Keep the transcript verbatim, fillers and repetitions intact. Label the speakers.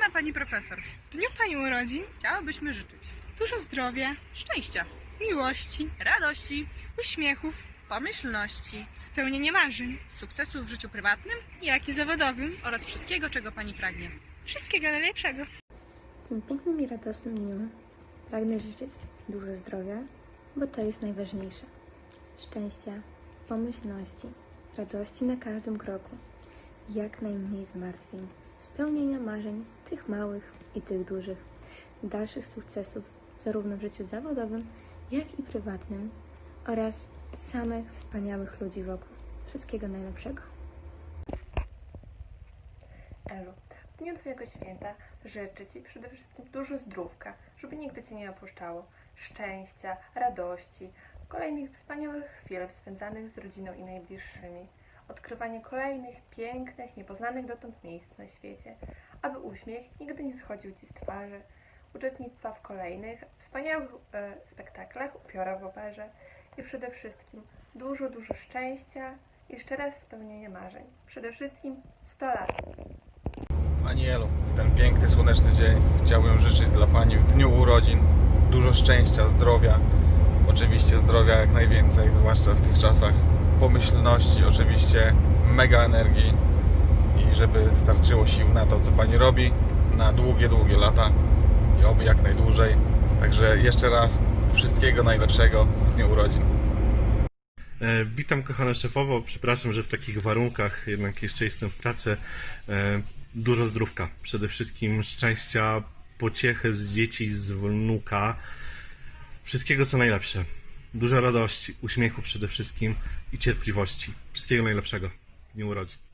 Speaker 1: Szanowna Pani Profesor,
Speaker 2: W dniu Pani urodzin
Speaker 1: chciałybyśmy życzyć
Speaker 2: dużo zdrowia,
Speaker 1: szczęścia,
Speaker 2: miłości,
Speaker 1: radości,
Speaker 2: uśmiechów,
Speaker 1: pomyślności,
Speaker 2: spełnienia marzeń,
Speaker 1: sukcesu w życiu prywatnym
Speaker 2: jak i zawodowym.
Speaker 1: oraz wszystkiego, czego Pani pragnie.
Speaker 2: Wszystkiego najlepszego.
Speaker 3: W tym pięknym i radosnym dniu pragnę życzyć dużo zdrowia, bo to jest najważniejsze. Szczęścia, pomyślności, radości na każdym kroku, jak najmniej zmartwień, spełnienia marzeń, tych małych i tych dużych, dalszych sukcesów zarówno w życiu zawodowym, jak i prywatnym oraz samych wspaniałych ludzi wokół. Wszystkiego najlepszego.
Speaker 4: Elu, w dniu Twojego święta życzę Ci przede wszystkim dużo zdrówka, żeby nigdy Cię nie opuszczało, szczęścia, radości, kolejnych wspaniałych chwil spędzanych z rodziną i najbliższymi, odkrywanie kolejnych pięknych, niepoznanych dotąd miejsc na świecie, aby uśmiech nigdy nie schodził Ci z twarzy, uczestnictwa w kolejnych wspaniałych e, spektaklach Upiora w operze i przede wszystkim dużo, dużo szczęścia i jeszcze raz spełnienia marzeń. Przede wszystkim sto lat.
Speaker 5: Pani Elu, w ten piękny, słoneczny dzień chciałbym życzyć dla Pani w dniu urodzin dużo szczęścia, zdrowia, oczywiście zdrowia jak najwięcej, zwłaszcza w tych czasach, pomyślności, oczywiście mega energii i żeby starczyło sił na to, co Pani robi, na długie, długie lata i oby jak najdłużej. Także jeszcze raz wszystkiego najlepszego w dniu urodzin.
Speaker 6: E, Witam kochana szefowo, przepraszam, że w takich warunkach, jednak jeszcze jestem w pracy. E, Dużo zdrówka, przede wszystkim szczęścia, pociechy z dzieci, z wnuka, wszystkiego co najlepsze. Dużo radości, uśmiechu przede wszystkim i cierpliwości. Wszystkiego najlepszego w dniu urodzin.